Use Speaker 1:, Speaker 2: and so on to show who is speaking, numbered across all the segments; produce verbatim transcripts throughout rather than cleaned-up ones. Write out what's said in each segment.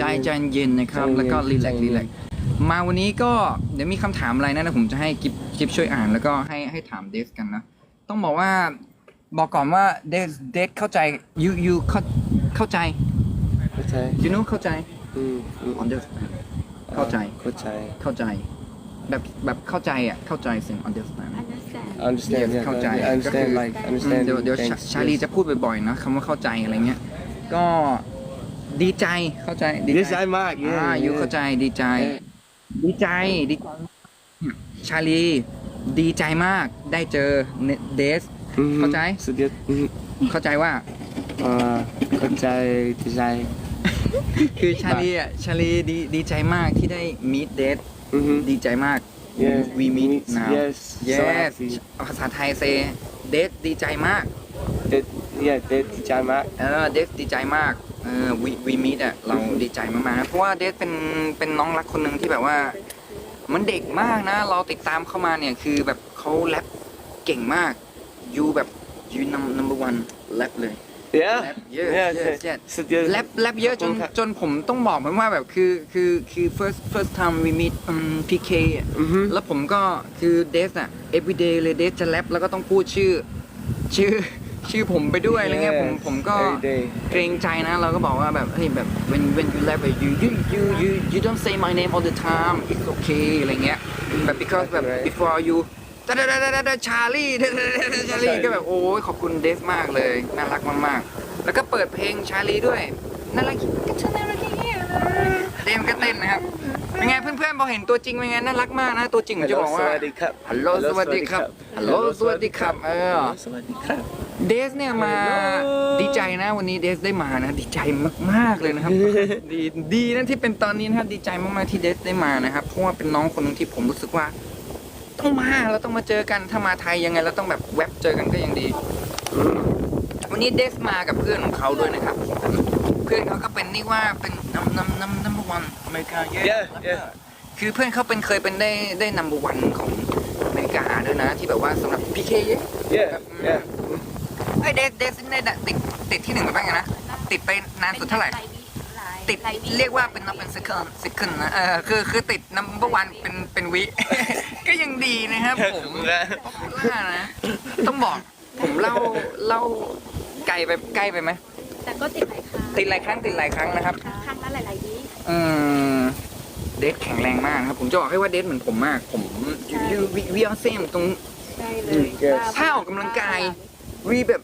Speaker 1: ใจเย็นนะครับแล้วก็รีแลกซ์รีแลกซ์มาวันนี้ก็เดี๋ยวมีคำถามอะไรนะนะผมจะให้กิฟกิฟช่วยอ่านแล้วก็ให้ให้ถามเดสกันนะต้องบอกว่าบอกก่อนว่าเดสเดสเข้าใจยูยูเข้าเข้าใจ
Speaker 2: เข้าใจ
Speaker 1: you know เข้าใจ
Speaker 2: อืมอืม
Speaker 1: understand เข้าใจ
Speaker 2: เข้าใจ
Speaker 1: เข้าใจแบบแบบเข้าใจอ่ะเข้าใจสิ่ง understand
Speaker 3: understand
Speaker 2: understand
Speaker 1: Yes, เข้าใจ
Speaker 2: I understand like
Speaker 1: อืม
Speaker 2: understand
Speaker 1: เดี๋ยวเดี๋ยว
Speaker 2: thanks
Speaker 1: ชาลีจะพูดบ่อยๆนะคำว่าเข้าใจอะไรเงี้ยก็ดีใจเข้าใจดี
Speaker 2: ดี
Speaker 1: ใจ
Speaker 2: ใจมาก
Speaker 1: อ่า
Speaker 2: yeah
Speaker 1: อยู่
Speaker 2: yeah
Speaker 1: เข้าใจดีใจ ดีใจดีใจชาลีดีใจมากได้เจอเดส
Speaker 2: อืม
Speaker 1: เข้าใจ
Speaker 2: สุดยอดอืม
Speaker 1: เข้าใจว่า
Speaker 2: เอ่อเข้าใจดีใจ
Speaker 1: คือชาลีอ่ะชาลีดีดีใจมากที่ได้มีดเดส
Speaker 2: อือฮึ
Speaker 1: ดีใจมาก
Speaker 2: yeah
Speaker 1: we meet now
Speaker 2: yes so
Speaker 1: yes
Speaker 2: happy
Speaker 1: ภาษาไทยเซเดสดีใจมาก
Speaker 2: เด็ด yeah เด็ดดีใจมาก
Speaker 1: เออเดสดีใจมากเออวีวีมิดอ่ะเราดีใจมากๆนะเพราะว่าเดสเป็นเป็นน้องรักคนหนึ่งที่แบบว่า มันเด็กมากนะ เราติดตามเข้ามาเนี่ยคือแบบเขาแรปเก่งมากยูแบบยูนัมนัมเบอร์วันแรปเลย
Speaker 2: yeah
Speaker 1: แรปเยอะ
Speaker 2: yeah
Speaker 1: เยอะเยอะ
Speaker 2: สุดยอด
Speaker 1: แรปแรปเยอะจน
Speaker 2: ขอบคุณครับ
Speaker 1: จนผมต้องบอกมันว่าแบบคือคือคือ first first time we meet อืม พี เค อ่ะ
Speaker 2: อือฮึ
Speaker 1: แล้วผมก็คือเดสอ่ะ everyday เลยเดสจะแรปแล้วก็ต้องพูดชื่อ ชื่อชื่อผมไปด้วยอะไรเงี้ยผมผมก็
Speaker 2: every day
Speaker 1: เกรงใจนะเราก็บอกว่าแบบเฮ้ยแบบ when when you rap you you you you you don't say my name all the time it's okay อะไรเงี้ยแบบ because แบบ before you ดาดาดาดาดาชาลีชาลีก็แบบโอ้ยขอบคุณเดสมากเลยน่ารักมากๆแล้วก็เปิดเพลงชาลีด้วยน่ารักก็ชาลีน่ารักอย่างเงี้ยเต้นก็เต้นนะครับเป็นไงเพื่อนๆพอเห็นตัวจริงเป็นไงน่ารักมากนะตัวจริงผมจะบอกว่า
Speaker 2: สวัสดีครับ
Speaker 1: ฮัลโหลสวัสดีครับฮัลโหลสวัสดีครับเออ
Speaker 2: สวัสดีครับ
Speaker 1: เดสเนี่ยมาดีใจนะวันนี้เดสได้มานะดีใจมากๆเลยนะครับ ดีดีนะที่เป็นตอนนี้นะครับดีใจมากๆที่เดสได้มานะครับเพราะว่าเป็นน้องคนหนึงที่ผมรู้สึกว่า ต้องมาเราต้องมาเจอกันถ้ามาไทยยังไงเราต้องแบบแวบเจอกันก็ยังดี วันนี้เดสมากับเพื่อนของเขาด้วยนะครับ เพื่อนเขาก็เป็นนี่ว่าเป็นน้ำน้ำน้ำน้ำวันอเมริกาเยอะ
Speaker 2: yeah yeah
Speaker 1: คือเพื่อนเขาเป็นเคยเป็นได้ได้นัมเบอร์วันของอเมริกาด้วยนะที่แบบว่าสำหรับพีเคเยอะ
Speaker 2: yeah yeah
Speaker 1: ไอ้เดสเดสได้ติดติดที่หนึ่งไปบ้างไงนะ ติดไปนานสุดเท่าไหร่ ติดเรียกว่าเป็นนับเป็น second second นะเออคือคือติด number one เป็นเป็นวิ ก็ยังดีนะครับผมว่านะ ต้องบอกผมเล่าเล่าไกลไปใกล้ไปไหม
Speaker 3: แต่ก็ติดหลายครั้ง
Speaker 1: ติดหลายครั้งติดหลายครั้งนะครับ
Speaker 3: ครั้งละหลายๆวิ
Speaker 1: อืมเดทแข็งแรงมากครับ ผมจะบอกให้ว่าเดทเหมือนผมมาก ผมยูวีวีออนเซมตรง
Speaker 3: ใช่เลย
Speaker 2: yes
Speaker 1: ถ้าออกกำลังกาย วีแบบ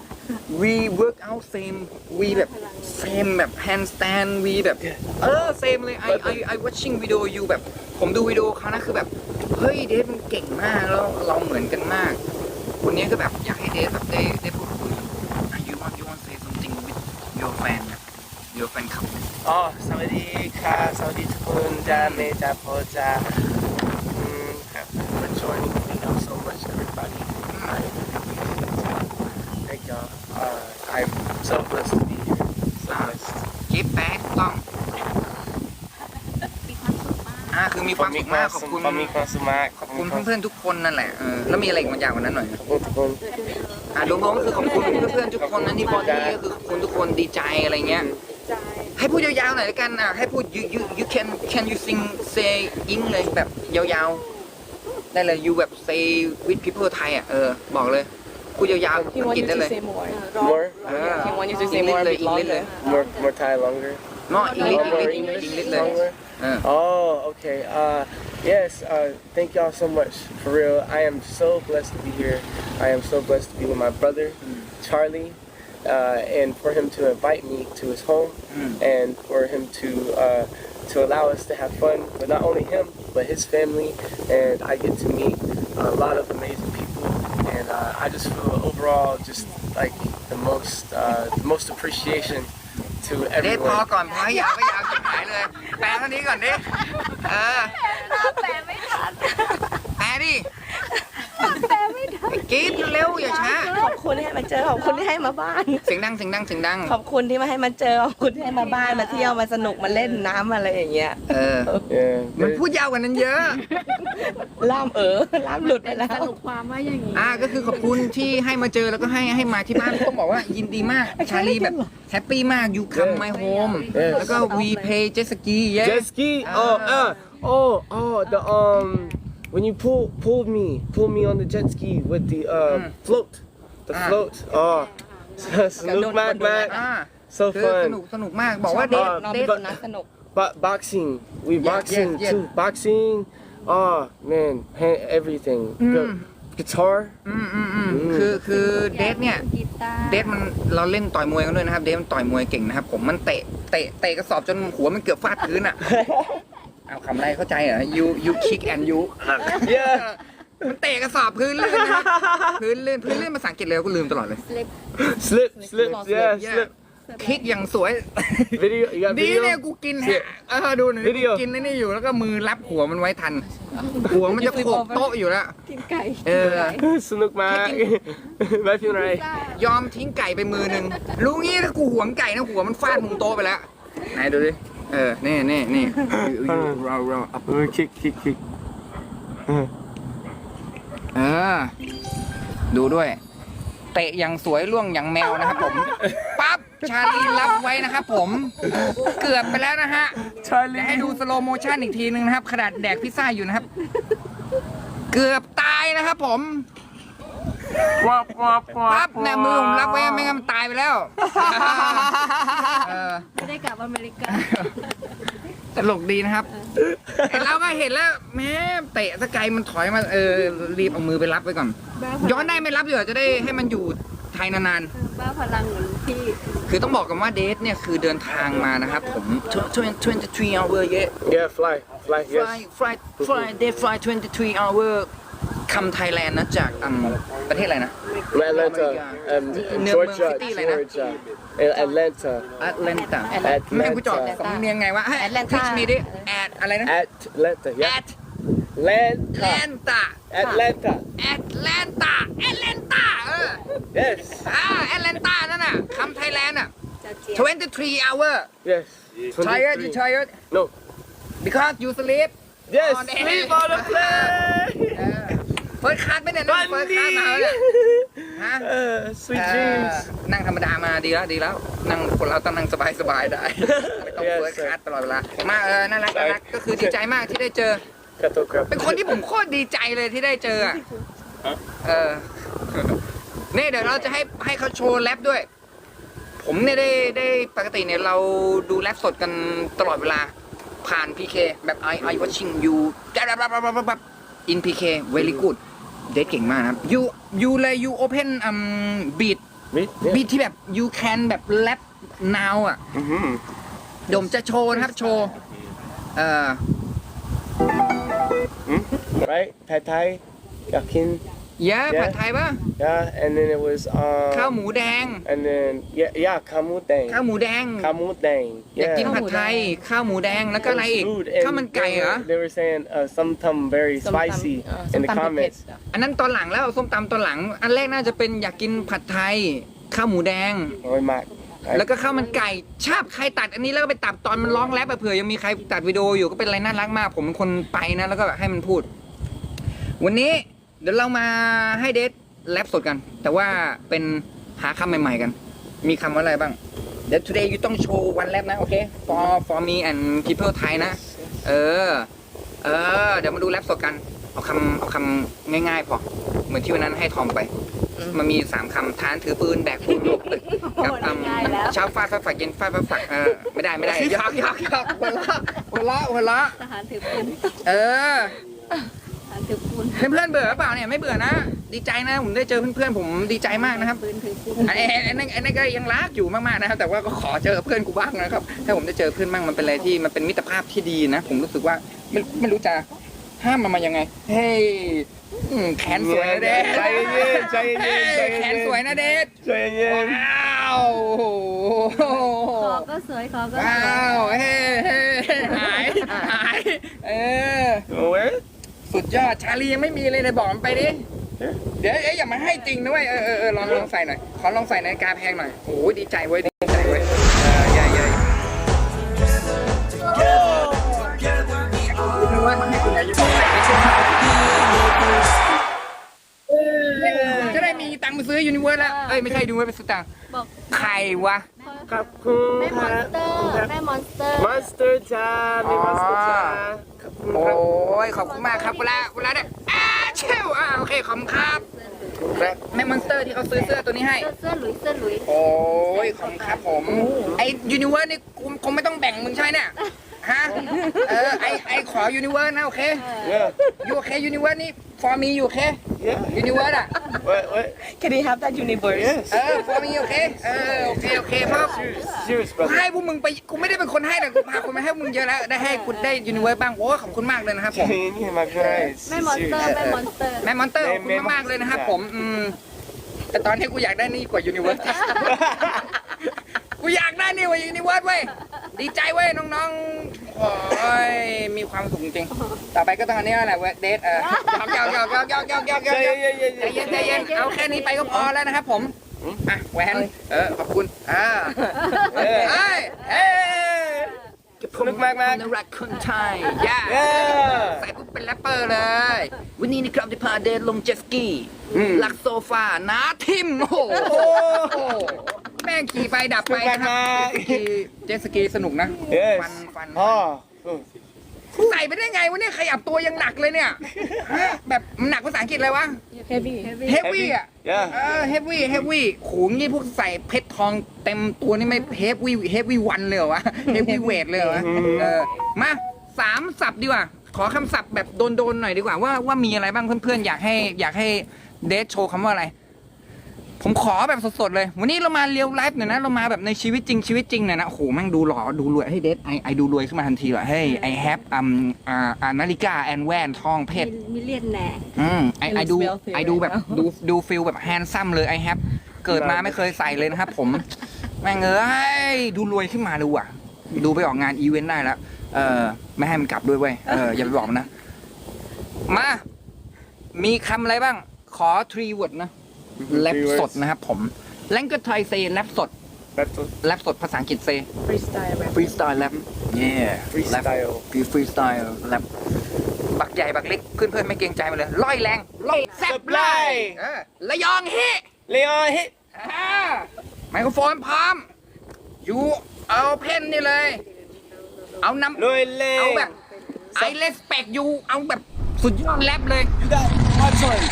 Speaker 1: we work out same we แบบ same แบบ handstand we แบบ เออ same เลย I I I watching video you แบบ ผมดูวิดีโอเขานะคือแบบ เฮ้ยเดทมันเก่งมากแล้วเราเหมือนกันมาก วันนี้ก็แบบอยากให้เดทแบบได้ได้พูดคุย you want you want say something with your fan แบบ your fan ครับ
Speaker 2: อ๋อสวัสดีค่ะสวัสดีทุกคนจ้าเมจ้าโพจ้าอืมครับ for joining me you know so much everybody I thank y'all uh, I'm so blessed to be here so blessed
Speaker 1: กิ๊บแป๊กต้อง
Speaker 3: มีความสุขมาก
Speaker 1: อ่าคือมีความสุขมากขอบคุณ
Speaker 2: ผมมีความสุขมาก
Speaker 1: ขอบคุณเพื่อนๆทุกคนนั่นแหละเออแล้วมีอะไรอีกบางอย่างกว่านั้นหน่อย
Speaker 2: ขอบคุณทุกคน
Speaker 1: อ่ารวมๆก็คือขอบคุณเพื่อนๆทุกคนนะที่บอดี้ก็คือขอบคุณทุกคนดีใจอะไรเงี้ย
Speaker 3: ใจ
Speaker 1: ให้พูดยาวๆหน่อยละกันอ่ะให้พูด you you you can can you sing say in เลยแบบยาวๆได้เลย you แบบ say with people ไทยอ่ะเออบอกเลยพูดยาวๆ
Speaker 4: He
Speaker 1: อัง
Speaker 4: want
Speaker 1: กฤษ
Speaker 4: you
Speaker 1: ได้
Speaker 4: to
Speaker 1: เลย
Speaker 4: say more.
Speaker 2: more
Speaker 1: เออ
Speaker 4: He want you to
Speaker 1: อั
Speaker 4: say
Speaker 1: งกฤษ
Speaker 4: more a
Speaker 1: เลย
Speaker 4: bit
Speaker 1: อังกฤษเลย
Speaker 4: longer.
Speaker 2: more more Thai longer
Speaker 1: no English
Speaker 2: more more
Speaker 1: English
Speaker 2: English
Speaker 1: English เลย
Speaker 2: longer
Speaker 1: เออ
Speaker 2: Oh, okay. Uh, yes. Uh, thank y'all so much. For real, I am so blessed to be here. I am so blessed to be with my brother, Charlie, uh, and for him to invite me to his home, and for him to uh, to allow us to have fun. But not only him, but his family, and I get to meet a lot of amazing people, and uh, I just feel overall just like the most uh, the most appreciation to
Speaker 1: เดทพอ
Speaker 2: everyone.
Speaker 1: ก่อนพอยาวไม่ยาวจะหายเลยแปลเท่านี้ก่อนดิเออ
Speaker 3: แปลไม่ทัน
Speaker 1: แปลดิ
Speaker 3: แปลไม่ทัน
Speaker 1: กกรี๊ดเร็วอย่าช้า
Speaker 4: ขอบคุณที่ให้มาเจอขอบคุณที่ให้มาบ้าน
Speaker 1: เสียงดังเสียงดังเสียงดัง
Speaker 4: ขอบคุณที่มาให้มาเจอขอบคุณที่ให้มาบ้านมาเที่ยวมาสนุกมาเล่นน้ำอะไรอย่างเงี้ย
Speaker 1: เออ
Speaker 2: Yeah.
Speaker 1: มันพูดยาวกว่านั้นเยอะ
Speaker 4: ล่ามเออล่ามหลุดไปแล้ว
Speaker 3: สรุปความว่าอย่างนี้
Speaker 1: อ่าก็คือขอบคุณที่ให้มาเจอแล้วก็ให้ให้มาที่บ้านต้องบอกว่ายินดีมากชาลีแบบแฮปปี้มาก you come my home
Speaker 2: Yes.
Speaker 1: แล้วก็ we play jet ski yeah
Speaker 2: Jet ski. Oh, uh, oh, oh, the um, when you pull pulled me, pulled me on the jet ski with the uh float, the
Speaker 1: Ah.
Speaker 2: float. Oh, Snoop Mac
Speaker 1: อ่า
Speaker 2: Mac, so
Speaker 1: คือสนุก
Speaker 2: fun.
Speaker 1: สนุกมากบอกว่าเดท
Speaker 4: น้อง
Speaker 1: เด
Speaker 4: เป็น
Speaker 1: ท
Speaker 4: คนน่าสนุก
Speaker 2: But boxing, we
Speaker 1: Yeah,
Speaker 2: boxing
Speaker 1: yeah, yeah.
Speaker 2: too. Boxing. Oh man, hand, everything. Gu- Guitar.
Speaker 1: อืมอืมอืมคือคือเดทเนี่ย
Speaker 3: กีตาร์
Speaker 1: เดทมันเราเล่นต่อยมวยกันด้วยนะครับเดทมันต่อยมวยเก่งนะครับผมมันเตะเตะเตะกระสอบจนหัวมันเกือบฟาดพื้นอ่ะเอาคำไรเข้าใจเหรอ you you kick and you
Speaker 2: Yeah.
Speaker 1: มันเตะกระสอบพื้นลื่นนะครับพื้นลื่นพื้นลื่นภาษาอังกฤษเลยก็ลืมตลอดเลย
Speaker 2: Slip, slip. Yeah,
Speaker 4: Yeah.
Speaker 2: slip.
Speaker 1: คิกอย่างสวย
Speaker 2: Video. You got
Speaker 1: ดีเนี่ย
Speaker 2: video?
Speaker 1: กูกินแฮะเออดูหน่อย
Speaker 2: Video
Speaker 1: กูกินไอ้นี่อยู่แล้วก็มือรับหัวมันไว้ทัน หัวมันจะโขกโต๊ะอยู่แล้ว
Speaker 3: กินไก่
Speaker 1: เออ
Speaker 2: Snook Mac. Vai filmar aí.
Speaker 1: ยอมทิ้งไก่ไปมือหนึ่งรู้งี้ถ้ากูหวงไก่นะหัวมันฟาดมุมโต๊ะไปแล้วไหนดูดิเออนี่นี่นี่เราเราอัพ
Speaker 2: Kick, kick, kick.
Speaker 1: เออดูด้วย เตะอย่างสวยล่วงอย่างแมวนะครับผมปั๊บชาลีรับไว้นะครับผมเกือบไปแล้วนะฮะเดี๋ยวให้ดูสโลโมชั่นอีกทีนึงนะครับขนาดแดกพิซซ่าอยู่นะครับ เกือบตายนะครับผมปั๊บเนี่ยมือผมรับไว้ไม่งั้นมันตายไปแล้วเออ
Speaker 3: ไม่ได้กลับอเมริกา
Speaker 1: ตลกดีนะครับไอ้เราก็เห็นแล้วแม่เตะสกายมันถอยมาเออรีบเอามือไปรับไว้ก่อน ย้อนได้ไม่รับเดี๋ยวจะได้ให้มันอยู่ไทยนาน
Speaker 3: บ้าพลังเหมือนพี่
Speaker 1: ๆคือต้องบอกกันว่าเดทเนี่ยคือเดินทางมานะครับผมtwenty-three hour yeah
Speaker 2: Yeah, fly, fly.
Speaker 1: fly
Speaker 2: Yes.
Speaker 1: fly fly day fly twenty-three hour คำไทยแลนด์นะจากอืมประเทศอะไรนะ
Speaker 2: Atlanta, um,
Speaker 1: New York
Speaker 2: Georgia,
Speaker 1: City เลยนะ
Speaker 2: Georgia, and Atlanta,
Speaker 1: แอตแลนตาไม่ให้กูจอดสำเนียงไงวะให้
Speaker 4: Atlanta
Speaker 1: พิชมีดิแอดอะไรนะ
Speaker 2: Atlanta, yeah,
Speaker 1: แอดแล
Speaker 2: Atlanta,
Speaker 1: นตา
Speaker 2: Atlanta.
Speaker 1: แอตแลนตาแอตแลนตาเออ
Speaker 2: Yes,
Speaker 1: อ่าแอตแลนตานั่นน่ะคำไทยแลนด์อ่ะ
Speaker 3: จะเจี๊ยบ
Speaker 1: twenty-three hour
Speaker 2: yes.
Speaker 1: tired you
Speaker 2: twenty-three.
Speaker 1: tired
Speaker 2: No.
Speaker 1: because you sleep
Speaker 2: Yes,
Speaker 1: On the
Speaker 2: sleep
Speaker 1: head.
Speaker 2: on the plane.
Speaker 1: เฟิร์สคลาสไม่เนี่ยนั่งเฟิร์สคลาสมาแล้วเนี่ยฮะ
Speaker 2: Uh, sweet
Speaker 1: เอ่อ
Speaker 2: dreams.
Speaker 1: นั่งธรรมดามาดีแล้วดีแล้วนั่งคนเราต้องนั่งสบายสบายๆได้ไม่ต้อง
Speaker 2: Yes,
Speaker 1: เฟิร์ส
Speaker 2: sir.
Speaker 1: คลาสตลอดเวลามาเออน่ารักน่ารักก็คือดีใจมากที่ได้เจอ
Speaker 2: Cattle crab.
Speaker 1: เป็นคนที่ผมโคตรดีใจเลยที่ได้เจออะเออนี่เดี๋ยวเราจะให้ให้เขาโชว์แรปด้วย ผมเนี่ยได้ได้ปกติเนี่ยเราดูแรปสดกันตลอดเวลา ผ่าน พี เค แบบ I I watching you แบบ in พี เค very good เดทเก่งมากนะครับ you you เลย you open um beat
Speaker 2: Meat?
Speaker 1: บี
Speaker 2: Yeah.
Speaker 1: ทที่แบบ you can แบบ rap now อ่ะ
Speaker 2: Mm-hmm.
Speaker 1: เดี๋ยวผมจะโชว์นะครับโชว์เอ่อ
Speaker 2: Right? Pad Thai, yakin.
Speaker 1: เยอะผัดไทยป่ะ
Speaker 2: Yeah, and then it was
Speaker 1: ข้าว
Speaker 2: um,
Speaker 1: หมูแดง
Speaker 2: and then yeah, yeah, kamu
Speaker 1: ข้าว
Speaker 2: dang,
Speaker 1: หมูแดง
Speaker 2: kamu dang.
Speaker 1: อยากกิน
Speaker 2: Yeah.
Speaker 1: ผัดไทย ข้าวหมูแดงแล้วก็อะไรอีก
Speaker 2: Food
Speaker 1: ข้าวมัน
Speaker 2: and
Speaker 1: ไก่
Speaker 2: they
Speaker 1: เหรอ
Speaker 2: were, they were saying uh, something very
Speaker 4: ส้มตำ
Speaker 2: spicy
Speaker 4: เอ่อ
Speaker 2: in the
Speaker 4: ส้มตำเผ็ด
Speaker 2: comments.
Speaker 4: ๆ
Speaker 1: อันนั้นตอนหลังแล้วส้มตำตอนหลัง อันแรกน่าจะเป็นอยากกินผัดไทย ข้าวหมูแดง
Speaker 2: Or Mac.
Speaker 1: แล้วก็ข้าวมันไก่ชาบใครตัดอันนี้แล้วก็ไปตัดตอนมันร้องแรปอะเผื่อยังมีใครตัดวิดีโออยู่ก็เป็นอะไรน่ารักมาก ผมเป็นคนไปนะแล้วก็แบบให้มันพูด วันนี้เดี๋ยวเรามาให้เดทแรปสดกัน แต่ว่าเป็นหาคำใหม่ๆกัน มีคำว่าอะไรบ้าง เดี๋ยว today you ต้องโชว์วันแรปนะโอเค for for me and people Thai นะ เออ เออ เดี๋ยวมาดูแรปสดกัน เอาคำเอาคำง่ายๆพอ เหมือนที่วันนั้นให้ทอมไป มันมีสามคำทานถือปืนแบกปูนลงตึกกับคำเช้าฟาดฟาดฝักเย็นฟาดฟาดฝักเออไม่ได้ไม่ได้ยอกยอกยอกหัวเราะหัวเราะหัวเราะ
Speaker 3: ทหารถือปืน
Speaker 1: เออ
Speaker 3: ทหารถือปืน
Speaker 1: เพื่อนๆเบื่อหรือเปล่าเนี่ยไม่เบื่อนะ ดีใจนะผมได้เจอเพื่อนๆผมดีใจมากนะครับ
Speaker 3: ปืนถือปืน
Speaker 1: ไอ้ไอ้ไอ้นั่นไอ้นั่นก็ยังรักอยู่มากๆนะครับ แต่ว่าก็ขอเจอเพื่อนกูบ้างนะครับ ถ้าผมได้เจอเพื่อนบ้างมันเป็นอะไรที่มันเป็นมิตรภาพที่ดีนะ ผมรู้สึกว่าไม่ไม่รู้จะห้ามมันมายังไง เฮ้ยอืมแขนสวยนะเดช
Speaker 2: ใจเย็นใจเย็น
Speaker 1: เฮ้ย
Speaker 2: ใจเย็น
Speaker 1: แขนสวยนะเดช
Speaker 2: ใจเย็น
Speaker 1: ว้าวโอ้โห
Speaker 3: คอก็สวยคอก็ส
Speaker 1: ว้า
Speaker 3: วย
Speaker 1: วเฮ้เฮ้หายหายเออ
Speaker 2: Where?
Speaker 1: สุดยอดชาลียังไม่มีเลยเลยบอกมันไปดิเดี๋ยวเอ๊ะอย่ามาให้จริงนะเว้ยเออเออเออลองลองใส่หน่อยขอลองใส่นาฬิกาแพงหน่อยโอ้ยดีใจเว้ยดีใจเว้ยเออใหญ่ใหญ่นึกว่ามันให้คุณอายุเท่าไหร่จะได้มีตังค์ไปซื้อยูนิเวิร์สแล้วเอ้ยไม่ใช่ยูนิเวิร์สเป็นสตางค์
Speaker 3: บอก
Speaker 1: ใครวะ
Speaker 2: ขอบคุณ
Speaker 3: แม่ม
Speaker 2: ค
Speaker 3: อน
Speaker 2: รั
Speaker 3: สเตอร์แม่มอนสเตอร์
Speaker 2: มอนสเตอร์จ้าแม่มอนสเตอร์จ้าขอบคุณ
Speaker 1: โอ้
Speaker 2: ครับ
Speaker 1: ยขอบคุณมากครับเวลาเวลาเนี่ยอ้าเชลอ่าโอเคขอบคุณครับ
Speaker 2: ครับ
Speaker 1: แม่มอนสเตอร์ที่เขาซื้อเสื้อตัวนี้ให้
Speaker 3: เสื้อเสื้อหลุยเสื้อหลุย
Speaker 1: โอ้ยขอบคุณครับผมไอยูนิเวิร์สนี่กูคงไม่ต้องแบ่งมึงใช่ไหมเนี่ยฮะเออไอไอขอยูนิเวิร์สนะโอเค
Speaker 2: yeah
Speaker 1: ยูโอเคยูนิเวิร์สนี่ for me อยู่โอเค
Speaker 2: yeah
Speaker 1: ยูนิเวิร์สอ่ะ
Speaker 2: what what
Speaker 4: Can you have that universe
Speaker 2: yes
Speaker 1: เออ for me โอเคเออโอเคโอเคเพราะ
Speaker 2: serious serious
Speaker 1: กู
Speaker 2: brother
Speaker 1: ให้พวกมึงไปกูไม่ได้เป็นคนให้แต่กูพาคนมาให้มึงเยอะแล้วได้ให้คุณได้ยูนิเวิร์สบ้างโอ้ขอบคุณมากเลยนะครับผม
Speaker 2: yeah my friends
Speaker 3: แม่มอนสเตอร์แม่มอนสเตอร์
Speaker 1: แม่มอนเตอร์ขอบคุณมากๆเลยนะครับผมอืมแต่ตอนนี้กูอยากได้นี่กว่ายูนิเวิร์ส กูอยากได้นี่กว่ายูนิเวิร์สเว้ยดีใจเว้ยน้องๆโอ้ยมีความสุขจริงๆต่อไปก็ต้องอันนี้แหละเว้ยเดทเออหยอกหยอกหยอกหยอกหยอกหยอกหยอกหยอก
Speaker 2: yeah yeah
Speaker 1: ใจเย็นใจเย็นเอาแค่นี้ไปก็พอแล้วนะครับผมอ่ะแหวนเออขอบคุณอ่าเอ้ยเอ้ย
Speaker 2: สนุกมากมาก
Speaker 1: นรักคนไทยย่า
Speaker 2: yeah
Speaker 1: ใส่ปุ๊บเป็นแรปเปอร์เลย วันนี้นะครับจะพาเดทลงเจ็ตสกีลักโซฟาน้าทิมโอ้โหแม่งขี่ไปดับไปนะครับเจ็ตสกีสนุกนะ
Speaker 2: yes
Speaker 1: ฟันฟัน
Speaker 2: อ๋อ
Speaker 1: ใส่ไปได้ไงวะเนี่ยขยับตัวยังหนักเลยเนี่ยฮะแบบมันหนักภาษาอังกฤษอะไรวะ
Speaker 4: Heavy
Speaker 1: เฮฟวี่อ่ะ
Speaker 2: yeah
Speaker 1: เออเฮฟวี่เฮฟวี่โหนี่พวกใส่เพชรทองเต็มตัวนี่ไม่เฮฟวี่เฮฟวี่วันเลยเหรอวะเฮฟวี่เวทเลยเหรอวะเออมาสามศัพท์ดีกว่า ขอคำศัพท์แบบโดนๆหน่อยดีกว่าว่าว่ามีอะไรบ้างเพื่อนๆอยากให้อยากให้เดทโชว์คำว่าอะไร ผมขอแบบสดๆเลย วันนี้เรามาเรียวไลฟ์หน่อยนะ เรามาแบบในชีวิตจริงชีวิตจริงหน่อยนะโอ้โหแม่งดูหล่อดูรวยให้เดทไอไอดูรวยขึ้นมาทันทีว่ะเฮ้ยไอแฮปอัมอ่าอ่านาฬิกาแอนแวนทองเพชร
Speaker 3: มิเลียนแน่
Speaker 1: อืมไอไอดู
Speaker 4: Feels wealthy
Speaker 1: ไอดูแบบ
Speaker 4: right now
Speaker 1: ดูดูฟิลแบบแฮนซัมเลยไอแฮปเกิดมาไม่เคยใส่เลยนะครับผม แม่งเอ้ยดูรวยขึ้นมาดูอ่ะ ดูไปออกงานอีเวนต์ได้แล้ว เออไม่ให้มันกลับด้วยเว้ยเอออย่าไปบอกมันนะ มา มีคำอะไรบ้าง ขอ three word นะแรปสดนะครับผมแลงก็ไทยเซแรปสด
Speaker 2: that's
Speaker 1: แรปสดภาษาอังกฤษเซ
Speaker 4: Freestyle rap
Speaker 1: ฟรีสไตล์แรปเย่
Speaker 2: freestyle
Speaker 1: คือฟรีสไตล์แรปบักใหญ่บักเล็กเพื่อนๆไม่เกรงใจมาเลยล่อยแรงล่อยแซ่บไล่เออระยองเฮ
Speaker 2: Leon hit
Speaker 1: อ่าไมโครโฟนพร้อมยูเอาเพนนี่เลย เอานำ
Speaker 2: ลุยเล่
Speaker 1: เอาแบบไอเลสเปกยูเอาแบบสุดยอดแรปเลย
Speaker 2: you got one choice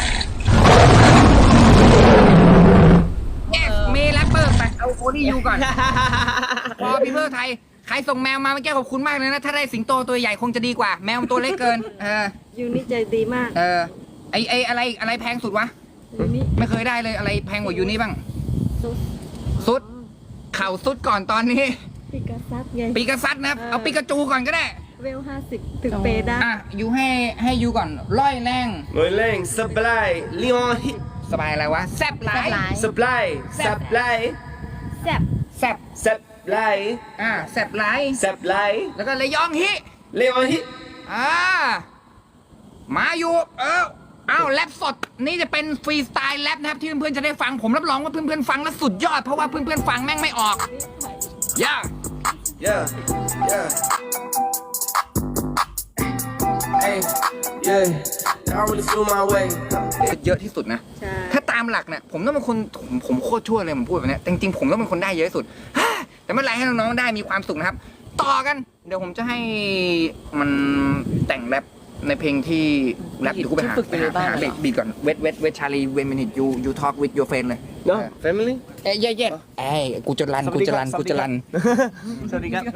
Speaker 1: เอฟมีแรปเปอร์ไปเอาโอลี่ยูก่อน พอพี่เพื่อไทย ใครส่งแมวมาเมื่อกี้ขอบคุณมากเลยนะ ถ้าได้สิงโตตัวใหญ่คงจะดีกว่า แมวตัวเล็กเกิน เออ
Speaker 3: ยูนี่ใจดีมาก
Speaker 1: เออ ไอไออะไรอะไรแพงสุดวะ
Speaker 3: ยูนี่
Speaker 1: ไม่เคยได้เลยอะไรแพงกว่ายูนี่บ้าง
Speaker 3: ซุป
Speaker 1: สุด เข่าสุดก่อนตอนนี้
Speaker 3: ปิกาซัสไง
Speaker 1: ปีกษัตริย์นะครับ เอาปีกาจูก่อนก็ได้
Speaker 3: เวลห้าสิบถึงเปย์ได้
Speaker 1: อ่ะยูให้ให้ยูก่อนร้อยแรง
Speaker 2: ลุยเล่สบาย Leon hit
Speaker 1: สบายอะไรวะ แซบหลาย
Speaker 2: สบายสบาย
Speaker 3: แซ่บ
Speaker 1: แซบ
Speaker 2: สบาย
Speaker 1: อ่าแซบหลาย
Speaker 2: สบาย
Speaker 1: แล้วก็ระยองฮิ
Speaker 2: Leon hit
Speaker 1: อ่ามาอยู่เอออ้าวแรปสดนี่จะเป็นฟรีสไตล์แรปนะครับที่เพื่อนๆจะได้ฟังผมรับรองว่าเพื่อนๆฟังแล้วสุดยอดเพราะว่าเพื่อนๆฟังแม่งไม่ออกย่า
Speaker 2: yeah yeah hey yeah I really feel my way
Speaker 1: เยอะที่สุดนะ
Speaker 3: ใช่
Speaker 1: ถ้าตามหลักเนี่ยผมต้องเป็นคนผมผมโคตรชั่วเลยผมพูดแบบเนี้ยแต่จริงๆผมต้องเป็นคนได้เยอะที่สุด แต่ไม่เป็นไรให้น้องๆได้มีความสุขนะครับ ต่อกัน เดี๋ยวผมจะให้มันแต่งแรปในเพลงที่แรปเดี๋ยวกูไปหา
Speaker 4: ฝึกไป
Speaker 1: ไป
Speaker 4: เลย
Speaker 1: หา
Speaker 4: บ้าง
Speaker 1: ไปหา
Speaker 4: เหรอ
Speaker 1: บีดก่อนเวทเวทเวทชาลีเวนมินิทยูยูทอล์กวิดยูเฟนเลย
Speaker 2: no family
Speaker 1: เอ้ยเย่เย่เอ้ยกูจะรันกูจะรันกูจะรัน
Speaker 2: สวัสดีครับ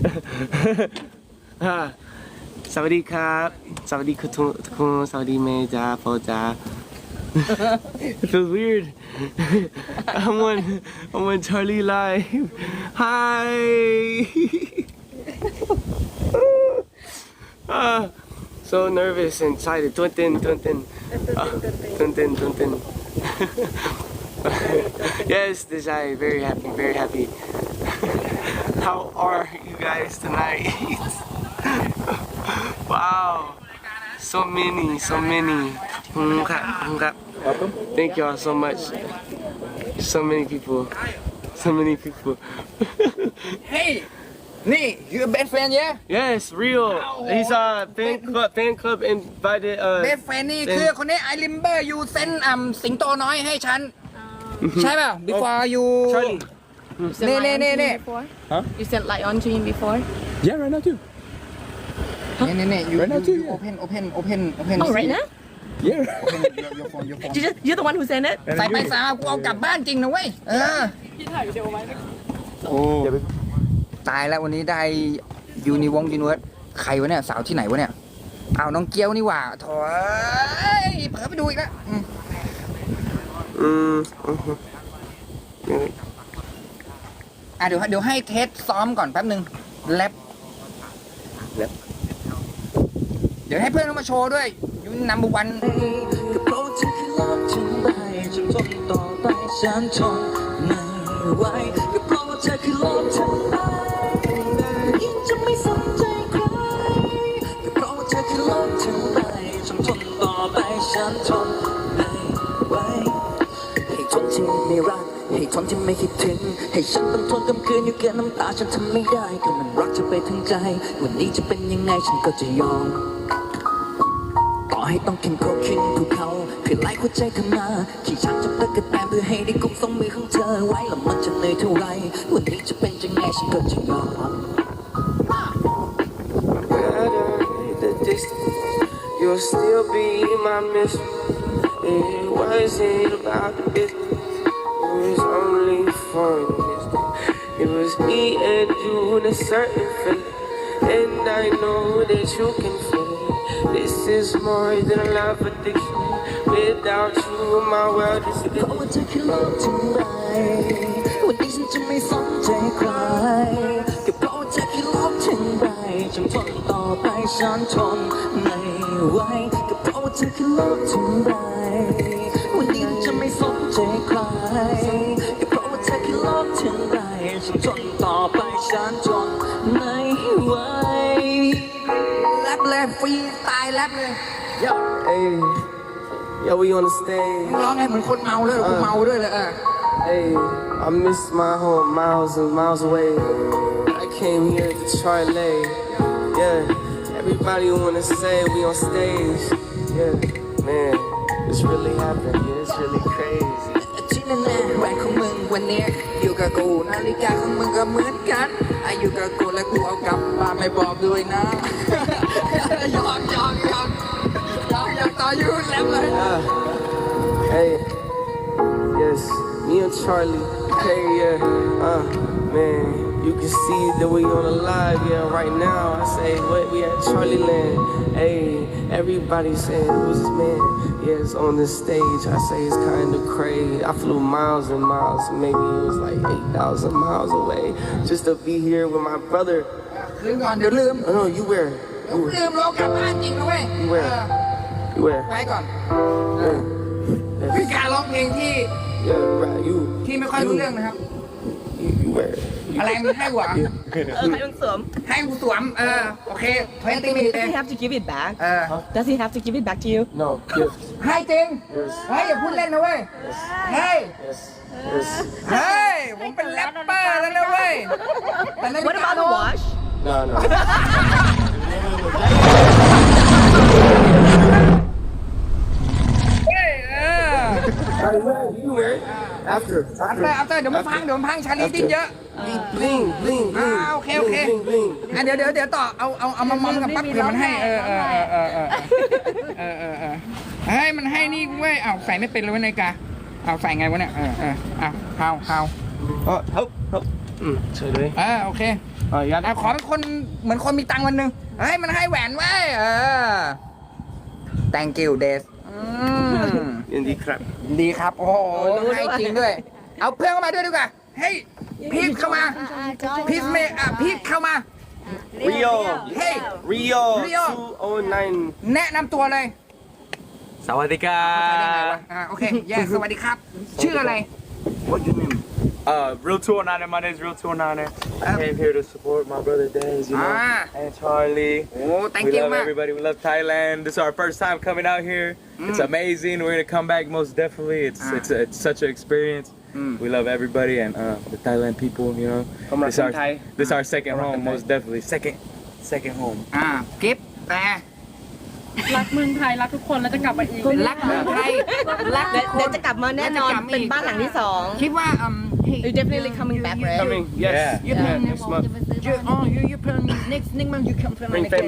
Speaker 2: อ่าสวัสดีครับสวัสดีคุณทุกคนสวัสดีเมย์จ้าโฟจ้า It feels weird I'm on I'm on Charlie Live Hi ah, so nervous and excited ตื่นเต้นตื่นเต้นอ่ะตื่นเต้นตื่นเต้น Yes Desai very happy very happy How are you guys tonight? Wow, so many, so many. ขอบคุณครับขอบคุณครับ
Speaker 5: Welcome.
Speaker 2: Thank y'all so much. So many people. So many people.
Speaker 1: เฮ้ยนี่ your best friend yeah
Speaker 2: Yes, real. He's a fan club. Fan club invited. Uh,
Speaker 1: best friend นี่คือคนนี้ I remember you send อ่ำสิงโตน้อยให้ฉัน ใช่ป่ะ before you
Speaker 2: Charlie.
Speaker 6: You sent
Speaker 1: Nee, nee,
Speaker 6: Lion
Speaker 1: nee,
Speaker 6: to him
Speaker 1: nee.
Speaker 6: before?
Speaker 5: Huh?
Speaker 6: You sent Lion to him before?
Speaker 5: Yeah, right now too.
Speaker 1: นี่นี่นี่ you
Speaker 5: Right now
Speaker 1: you
Speaker 5: too,
Speaker 1: you
Speaker 5: yeah.
Speaker 1: open open open open
Speaker 6: Oh, right now?
Speaker 5: Yeah.
Speaker 1: open your your phone your phone
Speaker 4: You just, you're the one who sent it
Speaker 1: ใส่ไปสามกูเอากลับบ้านจริงนะเว้ย เออ โอ้
Speaker 5: Yeah, baby.
Speaker 1: ตายแล้ววันนี้ได้ยูนิวงยูนิเวิร์สใครวะเนี่ย สาวที่ไหนวะเนี่ยอ้าวน้องเกียวนี่หว่าโถ่เอ้ยเผลอไปดูอีกแล้วอืม
Speaker 2: Mm, uh-huh.
Speaker 1: อ่ะเดี๋ยวเดี๋ยวให้เทสซ้อมก่อนแป๊บหนึ่งแรป
Speaker 5: แรป
Speaker 1: เดี๋ยวให้เพื่อนเขามาโชว์ด้วยยูนัมเบอร์วัน
Speaker 7: ก็เพราะว่าเธอคือโลกทั้งใบจนทนต่อไปฉันทนไม่ไหวก็เพราะว่าเธอคือโลกทั้งใบยิ่งจะไม่สนใจใครก็เพราะว่าเธอคือโลกทั้งใบจนทนต่อไปฉันทนไม่ไหวให้ทนที่ไม่รักให้ทนที่ไม่คิดถึงให้ฉันต้องทนกำคืนอยู่กับน้ำตาฉันทำไม่ได้ก็มันรักเธอไปทั้งใจวันนี้จะเป็นยังไงฉันก็จะยอม ต่อให้ต้องเข็นโคขึ้นภูเขาเพื่อไล่หัวใจเธอมาขี่ช้างจับตะกั่วแตนเพื่อให้ได้กุมสองมือของเธอไว้แล้วมันจะเหนื่อยเท่าไรวันนี้จะเป็นยังไงฉันก็จะยอม
Speaker 2: The distance, you'll still be my mission. It wasn't about the business. It was only for an instant. It was me and you in a certain feeling. And I know that you can feel it. This is more than a love addiction. Without you, my world is
Speaker 7: เพราะว่าเธอคือโลกทั้งใบวันนี้ฉันจะไม่สนใจใครก็เพราะว่าเธอคือโลกทั้งใบจนทนต่อไปฉันทนไม่ไหวก็เพราะว่าเธอคือโลกทั้งใบวันนี้ฉันจะไม่สนใจใครก็เพราะว่าเธอคือโลกทั้งใบจนทนต่อไปฉันทนไม่ไหว
Speaker 1: แรปเลยฟรีสไตล์แรปเลย
Speaker 2: Hey, yo, we on the stage.
Speaker 1: ร้องไงเหมือนคนเมาเลยกูเมาด้วยเลยเออ
Speaker 2: Hey, I miss my home miles and miles away. I came here to Charlie. Yeah, everybody wanna say we on stage. Yeah, man, it's really happening. Yeah, it's really crazy.
Speaker 1: ที่แน่ๆแหวนของมึงวันนี้อยู่กับกูนาฬิกาของมึงก็เหมือนกันอายุกับกูและกูเอากลับบ้านไม่บอกด้วยนะ ยอมยอมยอมยอมยอมต่อยูแรปเลย
Speaker 2: Ah, hey, yes, me and Charlie. Hey, yeah, uh, man, you can see that we on the live, yeah, right now. I say, what, we at Charlie Land. Hey, everybody saying, who's this man? Yeah, it's on the stage. I say it's kind of crazy. I flew miles and miles, maybe it was like eight thousand miles away, just to be here with my brother.
Speaker 1: ลืมก่อนเดี๋ยวลืม
Speaker 2: Oh, no, you where?
Speaker 1: เดี๋ยวลืมเรากลับบ้านจริงนะเว้ย
Speaker 2: You where?
Speaker 1: เออ
Speaker 2: You where?
Speaker 1: ไปก่อน
Speaker 2: Yeah,
Speaker 1: คือการร้องเพลงที่
Speaker 2: yeah, right, you.
Speaker 1: ที่ไม่ค่อยรู้เรื่องนะครับ
Speaker 2: You, you where?
Speaker 1: อะไรมันให้หวะ
Speaker 4: เออให้มันสวม
Speaker 1: ให้กูสวม เออ โอเคทเวนตี้มินิ
Speaker 4: Does he have to give it back
Speaker 1: เออ
Speaker 4: Does he have to give it back to you
Speaker 2: No, gift.
Speaker 1: ให้จริง เฮ้ย อย่าพูดเล่นนะเว้ย เฮ้ย
Speaker 2: Yes, yes.
Speaker 1: เฮ้ย ผมเป็นแรปเปอร์แล้วนะเว้ยแต่นาฬิ
Speaker 4: What
Speaker 1: กา
Speaker 4: about the watch
Speaker 2: No, no.
Speaker 1: เฮ้ยเออ
Speaker 2: You wear it? After,
Speaker 1: เอา
Speaker 2: after.
Speaker 1: เลยเอาเลยเดี๋ยวมันพัง เดี๋ยวมันพัง ชาลีดิ้นเยอะ
Speaker 2: Bling, bling,
Speaker 1: อ่า
Speaker 2: bling.
Speaker 1: โอเค โอเค
Speaker 2: Bling, bling, bling.
Speaker 1: อ่ะเดี๋ยวเดี๋ยวเดี๋ยวต่อ เอา เอา เอามามอมกับปั๊บเผื่อมันให้ เออเออเออเออเออเออเออเฮ้ย มันให้นี่เว้ยเอาใส่ไม่เป็นเลยเว้ยนาฬิกาเอาใส่ไงวะเนี่ย เออเออเอาเอาเอา
Speaker 5: Oh, help, help.
Speaker 2: Mm, today.
Speaker 1: เออโอเค
Speaker 5: Oh, you got
Speaker 1: เอาขอเป็นคนเหมือนคนมีตังค์วันหนึ่งเฮ้ยมันให้แหวนไว้ยเออ thank you Des อืม
Speaker 2: In the crap.
Speaker 1: ดีครับ โอ้โหให้จริงด้วย เอาเพื่อนเข้ามาด้วยดีกว่าเฮ้ยพีทเข้ามาพีทเมย์อ่ะพีทเข้ามา
Speaker 5: Rio.
Speaker 1: เฮ้ย
Speaker 5: Rio.
Speaker 1: Rio.
Speaker 5: two oh nine.
Speaker 1: แนะนำตัวเลย
Speaker 5: Sawadika.
Speaker 1: อ่าโอเคแย่สวัสดีครับ ชื่ออะไร
Speaker 5: What's your name? Uh, Real two oh nine, my name is Real two oh nine. I came here to support my brother Daz, you know,
Speaker 1: Ah.
Speaker 5: and Charlie.
Speaker 1: Oh, thank
Speaker 5: we
Speaker 1: you,
Speaker 5: love
Speaker 1: man.
Speaker 5: everybody. We love Thailand. This is our first time coming out here. It's amazing. We're gonna come back most definitely. It's
Speaker 1: Ah.
Speaker 5: it's it's such an experience.
Speaker 1: Mm.
Speaker 5: We love everybody and uh, the Thailand people. You know,
Speaker 2: ผมรัก
Speaker 5: this
Speaker 2: คน
Speaker 5: our
Speaker 2: ไทย
Speaker 5: this our second
Speaker 2: Come on,
Speaker 5: home,
Speaker 2: Thai.
Speaker 5: most definitely. Second, second home.
Speaker 1: อ่ากิฟแต่
Speaker 6: รักเมืองไทย รักทุกคนแล้วจะกลับมาอีก
Speaker 1: รักเมืองไทยรัก
Speaker 4: เดี๋ยวเดี๋ยวจะกลับมาแน่นอน
Speaker 1: แล้วจะกลับมาอีก
Speaker 4: เป็นบ้านหลังที่สอง
Speaker 1: คิดว่าอืม hey,
Speaker 6: You definitely coming back, right?
Speaker 2: Coming, yes.
Speaker 5: Yeah.
Speaker 1: You
Speaker 2: Yeah,
Speaker 1: plan
Speaker 2: next month.
Speaker 1: you oh you you plan next next month you come plan
Speaker 2: Bring
Speaker 1: again.